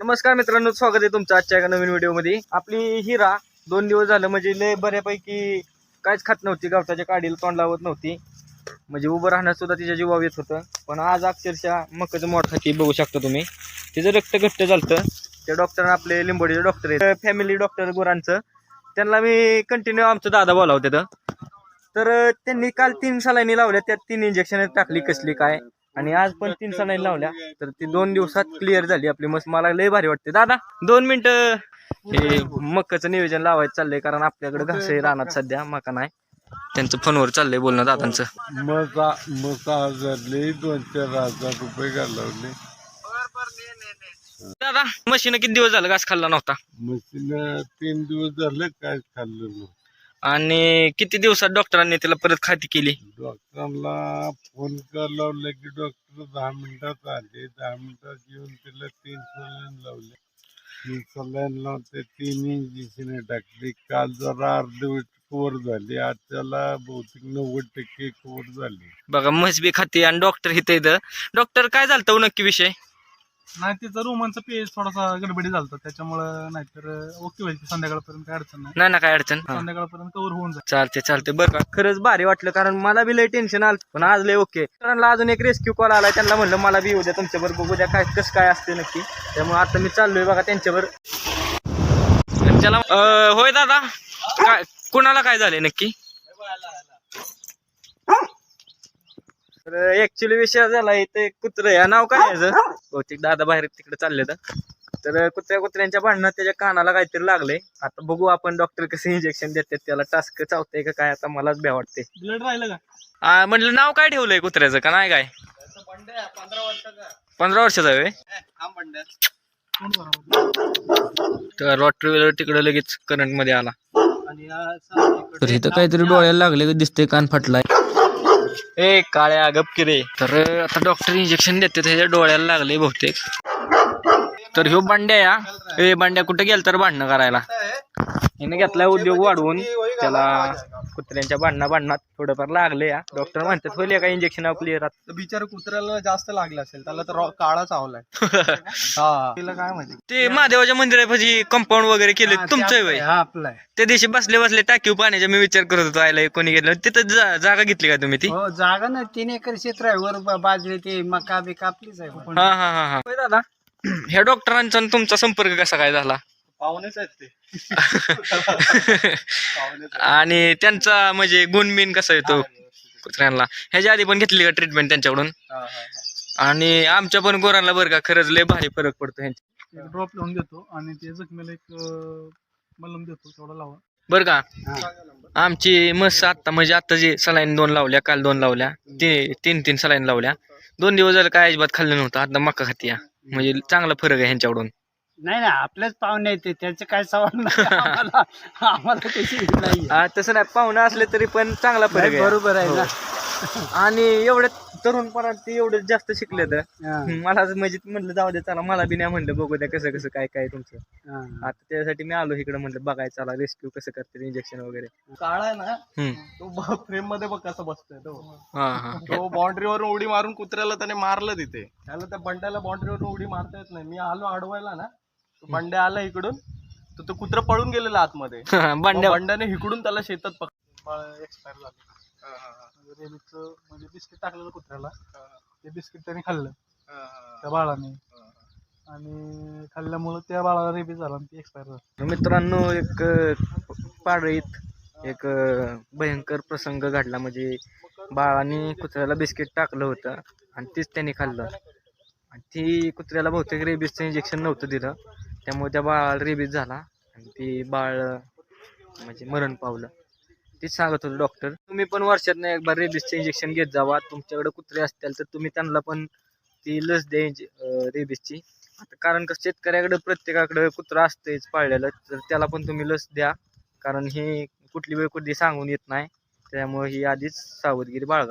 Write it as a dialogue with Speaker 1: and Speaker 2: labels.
Speaker 1: नमस्कार मित्रांनो, स्वागत आहे तुमचं आजच्या एका नवीन व्हिडिओमध्ये. आपली हिरा 2 दिवस झालं म्हणजे लय बऱ्यापैकी काहीच खात नव्हती, गवताच्या काडीला तोंड लावत नव्हती, म्हणजे उभं राहण्यास सुद्धा तिच्या जीवावर येत होतं. पण आज अक्षरशः मकाचं मोठ खाती बघू शकता तुम्ही, तिचं रक्त घट्ट झालं. त्या डॉक्टर आपले लिंबोडीचे डॉक्टर आहेत, फॅमिली डॉक्टर गुरांचं, त्यांना मी कंटिन्यू आमचं दादा बोलावते. तर त्यांनी काल 3 सलाईनी लावल्या, त्यात 3 इंजेक्शन टाकली कसली काय, आणि आज पण 3 सलाईनी लावल्या. तर ती 2 दिवसात क्लिअर झाली आपली मस्त. मला लय भारी वाटते. दादा 2 मिनिटं हे मकाचं नियोजन लावायचं चाललंय, कारण आपल्याकडे घास आहे रानात सध्या, मका नाही. त्यांचं फोनवर चाललंय बोलणं दादांचं.
Speaker 2: मका झाले 2-4 हजार रुपये घालवले.
Speaker 1: दादा मशीन किती दिवस झालं घास खाल्ला नव्हता?
Speaker 2: मशीन 3 दिवस झाले काय खाल्लं नव्हतं.
Speaker 1: आणि किती दिवसात डॉक्टरांनी त्याला परत खाती केली?
Speaker 2: डॉक्टरला फोन लावला की डॉक्टर 10 मिनिटात आले. 10 मिनिटात येऊन त्याला 3 सलाईन लावले. 3 सलाईन लावून ते 3 इंजेक्शन टाकली. काल जरा अर्धवट कव्हर झाली, आज त्याला बहुतेक 90% कव्हर झाली.
Speaker 1: बघा म्हस बी खाते आणि डॉक्टर इथं इथं. डॉक्टर काय झालं नक्की विषय?
Speaker 3: नाही, तिचा रोमांचा पेज थोडासा गडबडी झालता, त्याच्यामुळं. नाहीतर ओके होईल, संध्याकाळपर्यंत काय अडचण नाही.
Speaker 1: नाही ना काय अडचण.
Speaker 3: संध्याकाळपर्यंत कव्हर होऊन जाईल.
Speaker 1: चालते बरं का. खरंच भारी वाटलं, कारण मला बी लय टेन्शन आलं, पण आज लय ओके. कारण अजून एक रेस्क्यू कॉल आलाय, त्यांना म्हणलं मला बी येऊ द्या तुमच्यावर, बघू द्या काय कसं काय असते नक्की. त्यामुळे आता मी चाललोय बघा त्यांच्यावर. त्याला होय दादा, काय कुणाला काय झालंय नक्की? तर ऍक्च्युली विषय झाला, इथे कुत्र या नाव काय याचं, बहुतेक दादा बाहेर तिकडे चालले. तर कुत्र्यांच्या भांडणात त्याच्या कानाला काहीतरी लागले. आता बघू आपण डॉक्टर कसं इंजेक्शन देतात त्याला, टास्क चावतंय का काय, आता मलाच भ्या वाटते.
Speaker 3: ब्लड राहिलं का?
Speaker 1: म्हटलं नाव काय ठेवलंय कुत्र्याचं का नाही काय? 15 वर्षाचा आहे. तर रॉटरीव्हिलर तिकडे लगेच करंट मध्ये आला. तर इथं काहीतरी डोळ्याला लागले दिसतंय, कान फाटलाय. ए काळ्या गपकिरे. तर आता डॉक्टर इंजेक्शन देते, त्याच्या डोळ्याला लागले बहुतेक. तर ह्यो बांड्या या, ए बांड्या कुठे गेल तर भांडणं करायला. हिने घेतलाय उद्योग वाढवून, त्याला कुत्र्यांच्या भांडणात थोडंफार लागले. या डॉक्टर म्हणतात होईल का इंजेक्शन क्लिअर.
Speaker 3: बिचार कुत्र्याला जास्त लागलं असेल, त्याला तर काळा चावलाय. हा, तिला काय माहिती.
Speaker 1: ते महादेवाच्या मंदिरापाशी कंपाऊंड वगैरे केले तुमचं वय?
Speaker 3: हा, आपलं आहे.
Speaker 1: त्या दिवशी बसले टाकीव पाण्याच्या मी विचार करत होतो, आयला कोणी घेतलं तिथं. जागा घेतली का तुम्ही ती?
Speaker 4: हो, जागा ना 3 एकर क्षेत्र आहे, वर बाजू ते मका बी कापलीच आहे.
Speaker 1: हा दादा, ह्या डॉक्टरांचा तुमचा संपर्क कसा काय झाला?
Speaker 3: पाहुणेच आहेत ते.
Speaker 1: आणि त्यांचा म्हणजे गुणबिन कसा येतो कुत्र्यांना? ह्याच्या आधी पण घेतली का ट्रीटमेंट त्यांच्याकडून? आणि आमच्या पण गोरांना बरं का, खरंच लय भारी फरक पडतो ह्यांच्या.
Speaker 3: ड्रॉप लावून देतो आणि ते जखमेला एक मलम देतो, तेवढा लावा
Speaker 1: बरं का. आमची मस्त आता म्हणजे आता जे सलाईन 2 लावल्या, काल 2 लावल्या, 3 सलाईन लावल्या. 2 दिवस झालं काय अजिबात खाल्लं नव्हतं, आता मका खाती. म्हणजे चांगला फरक आहे ह्यांच्याकडून.
Speaker 4: नाही आपलेच पाहुणे येते, त्याचे काय सवाल नाही. आम्हाला त्याची नाही.
Speaker 1: तसं नाही, पाहुणं असले तरी पण चांगला फरक आहे.
Speaker 4: बरोबर आहे ना.
Speaker 1: आणि एवढे तरुणपणात ते एवढे जास्त शिकले तर मला म्हणजे म्हणलं जाऊ दे चला, मला बी नाही म्हणलं बघू द्या कसं काय तुमचं. आता त्यासाठी मी आलो इकडे, म्हणलं बघायचं चला रेस्क्यू कसं करते इंजेक्शन वगैरे.
Speaker 3: काळा आहे ना, तो फ्रेम मध्ये बघ कसा बसतोय तो.
Speaker 1: हा
Speaker 3: तो बाउंड्रीवरून उडी मारून कुत्र्याला त्याने मारलं तिथे. त्याला त्या बंड्याला बाउंड्रीवरून उडी मारता येत नाही. मी आलो अडवायला ना, बंड्या आला इकडून, तर तो कुत्रा पळून गेलेला आतमध्ये. बंड्याने इकडून त्याला शेतात एक्सपायर झालं. रेबीचं म्हणजे बिस्किट टाकलेलं कुत्र्याला, ते बिस्किट त्याने खाल्लं त्या बाळाने, आणि खाल्ल्यामुळे त्या बाळाला रेबीज झाला आणि ती एक्सपायर झाली.
Speaker 1: मित्रांनो, एक पाडळीत एक भयंकर प्रसंग घडला. म्हणजे बाळाने कुत्र्याला बिस्किट टाकलं होतं आणि तीच त्यांनी खाल्लं, आणि ती कुत्र्याला बहुतेक रेबीजचं इंजेक्शन नव्हतं दिलं, त्यामुळे त्या बाळाला रेबीज झाला आणि ती बाळ म्हणजे मरण पावलं. तीच सांगत होतं डॉक्टर, तुम्ही पण वर्षातनं एक बार रेबीजचं इंजेक्शन घेत जावा. तुमच्याकडे कुत्रे असतील तर तुम्ही त्यांना पण ती लस द्या रेबीजची. आता कारण कसं शेतकऱ्याकडे प्रत्येकाकडे कुत्रा असतेच पाळलेलं, तर त्याला पण तुम्ही लस द्या, कारण ही कुठली वेळ कुठली सांगून येत नाही, त्यामुळे ही आधीच सावधगिरी बाळगा.